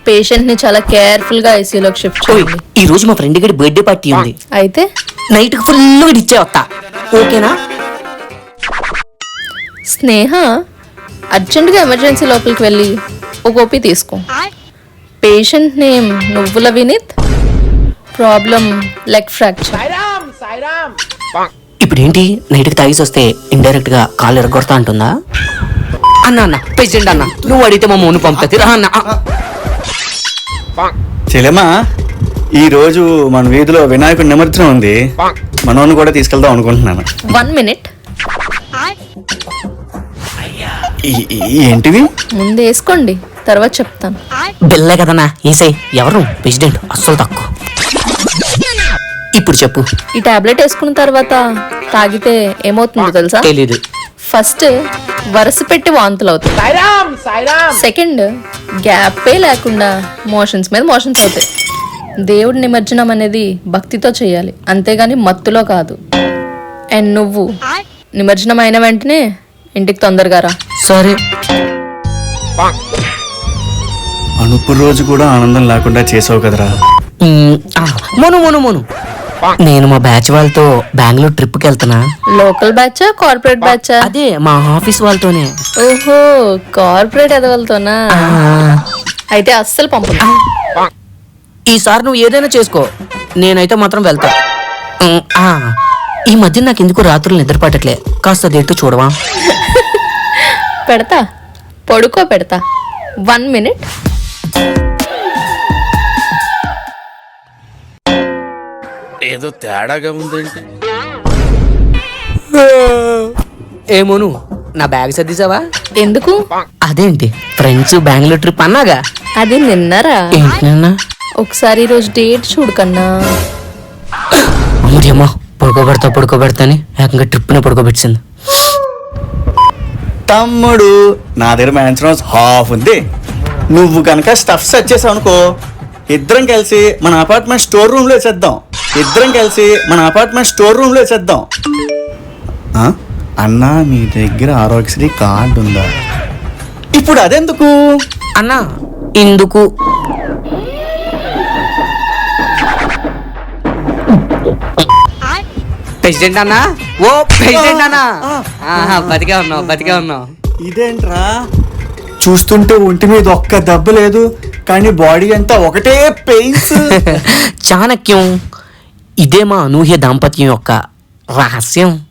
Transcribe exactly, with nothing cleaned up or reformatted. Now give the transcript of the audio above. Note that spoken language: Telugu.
పేషెంట్ ని చాలా కేర్ఫుల్ గా ఐసీయూలోకి షిఫ్ట్ చేయండి. ఈ రోజు మా ఫ్రెండ్ గడి బర్త్డే పార్టీ ఉంది. అయితే నైట్ కి ఫుల్ ఇచ్చే వస్తా, ఓకేనా? స్నేహ, అర్జెంట్ గా ఎమర్జెన్సీ లోపలికి వెళ్ళి ఒక ఓపీ తీసుకో. పేషెంట్ నేమ్ నువ్వుల వినీత్, ప్రాబ్లం లెగ్ ఫ్రాక్చర్. ఇప్పుడు ఏంటి, నైట్ కి తాగేసి వస్తే ఇండైరెక్ట్ గా కాలు ఎరగొడతా అంటుందా? అన్న అన్న పేషెంట్ అన్న, నువ్వు అడిగితే మా మౌని పంపుతుంది రా అన్న. చెల్లెమ్మా, ఈ రోజు మన వీధిలో వినాయకుడి నిమజ్జనం ఉంది, మనోని కూడా తీసుకెళ్దాం అనుకుంటున్నాను. One minute. ఈ- ఈ- ఏంటివి? ముందు వేసుకోండి, తర్వాత చెప్తాను. బిల్లే కదన్నా, ఏసై. ఎవరు ప్రెసిడెంట్ అస్సలు తక్కువ. ఇప్పుడు చెప్పు. ఈ టాబ్లెట్ వేసుకున్న తర్వాత తాగితే ఏమవుతుందో తెలుసా? తెలీదు. ఫస్ట్ వరుస పెట్టి వాంతులు అవుతాయి. సెకండ్, గ్యాపే లేకుండా మోషన్స్ మీద మోషన్స్ అవుతాయి. దేవుడి నిమజ్జనం అనేది భక్తితో చేయాలి, అంతేగాని మత్తులో కాదు. అండ్ నువ్వు నిమజ్జనం అయిన వెంటనే ఇంటికి తొందరగా రా. సరే. అనుపు రోజు కూడా ఆనందం లేకుండా చేసావు కదరా. మ్, ఆ, మోను మోను మోను నేను మా బ్యాచ్ వాళ్ళతో బెంగళూరు ట్రిప్ కి వెళ్తున్నా. లోకల్ బ్యాచా కార్పొరేట్ బ్యాచా? అదే మా ఆఫీస్ వాళ్ళతోనే. ఓహో, కార్పొరేట్ ఎదవలతోనా? ఆ, అయితే అస్సలు పంపు. ఈసారి నువ్వు ఏదైనా చేసుకో, నేనైతే మాత్రం వెళ్తా. మ్, ఆ, ఈ మధ్య నాకు ఎందుకు రాత్రులు నిద్ర పట్టట్లే, కాస్త అదేంటో చూడవా? పెడతా, పడుకో పెడతా. One minute. ఏదో తేడాగా ఉందేంటి? ఏమోను, నా బ్యాగ్ సర్దిసావా? ఎందుకు? అదేంటి, ఫ్రెండ్స్ బెంగళూరు ట్రిప్ అన్నాగా. అది నిన్నరా? ఏంటి నిన్న? ఒకసారి ఈరోజు డేట్ చూడు కన్నా. అమ్మా, పడుకోబెడతా పడుకోబెడతా అని ఏకంగా ట్రిప్ని పడుకోబెట్టింది. తమ్ముడు, నా దగ్గర మ్యాన్షన్ హాఫ్ ఉంది. నువ్వు కనుక స్టఫ్ సెట్ చేసావు అనుకో, ఇద్దరం కలిసి మన అపార్ట్మెంట్ స్టోర్ రూమ్ లో వేసేద్దాం. ఇద్దరం కలిసి మన అపార్ట్మెంట్ స్టోర్ రూమ్ లో వేసేద్దాం. ఆ? అన్నా, నీ దగ్గర ఆరోగ్యశ్రీ కార్డు ఉందా? ఇప్పుడు అదెందుకు? అన్నా, ఇందుకు. ప్రెసిడెంట్ అన్నా, ఓ ప్రెసిడెంట్ అన్నా, ఆహా, బతికే ఉన్నావు బతికే ఉన్నావు. ఇదేంట్రా, చూస్తుంటే ఒంటి మీద ఒక్క దెబ్బ లేదు, కానీ బాడీ అంతా ఒకటే పెయిన్స్. చాణక్యం, ఇదే మా అనూహ్య దాంపత్యం యొక్క రహస్యం.